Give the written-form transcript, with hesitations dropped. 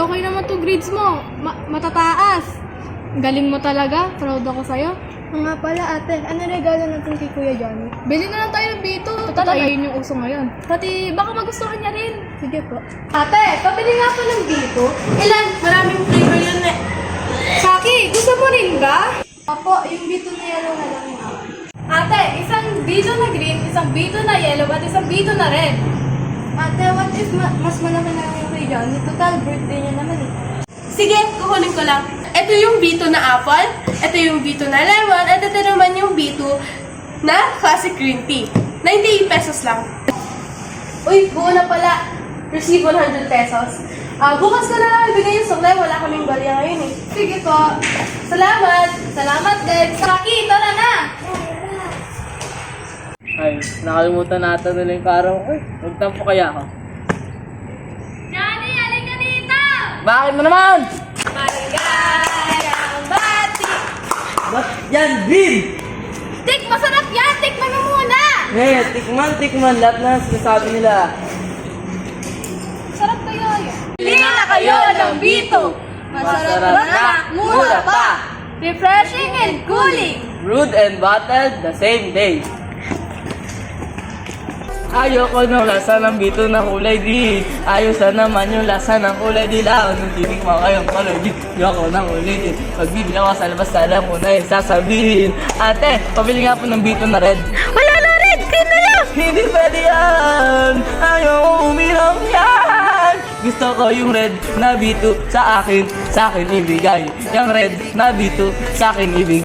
okay naman to grades mo. Matataas. Galing mo talaga. Proud ako sa'yo. Nga pala ate, ano regalo natin kay Kuya Johnny? Bili na lang tayo ng bito. Total, ayun yung uso ngayon. Pati baka magustuhan niya rin. Sige po. Ate, pabili nga pa ng bito. Ilan? Maraming flavor yun eh. Saki, gusto mo rin ba? Opo, yung bito na yellow na lang yun. Ate, isang bito na green, isang bito na yellow, at isang bito na red. Ate, what if mas malaki na lang yung kay Johnny? Total, birthday niya naman eh. Sige, kukunin ko lang. Ito yung bito na apple, ito yung bito na lemon, at ito naman yung bito na classic green tea. 98 pesos lang. Uy, buo na pala. Receive 100 pesos. Bukas ko na lang ibigay yung supply. Wala kaming barya ngayon eh. Sige po. Salamat! Salamat din. Saki, tara na! Ay, nakalimutan natin nila yung karaw ko eh. Magtampo kaya ako. Johnny, halika dito! Bakit mo naman? Barangay ang bati! Ba't yan, Bin? Tik, masarap yan! Tikman mo muna! Eh, tikman. Lahat na sinasabi nila. Sarap kayo yun. Bili na kayo ng bito! Masarap na, mura pa! Refreshing and cooling! Brewed and bottled the same day. Ayoko ng lasa ng bito na kulay di. Ayos na naman yung lasa ng kulay dilaw. Nung tinikman kayong kulay di, ayoko nang ulitin. Pag bibili ako sa labas, alam mo na yung sasabihin. Ate, pabili nga po ng bito na red. Wala na red! Green na lang! Hindi pwede yan! Ayoko uminom yan! Gusto ko yung red na bito sa akin ibigay. Yung red na bito sa akin ibigay.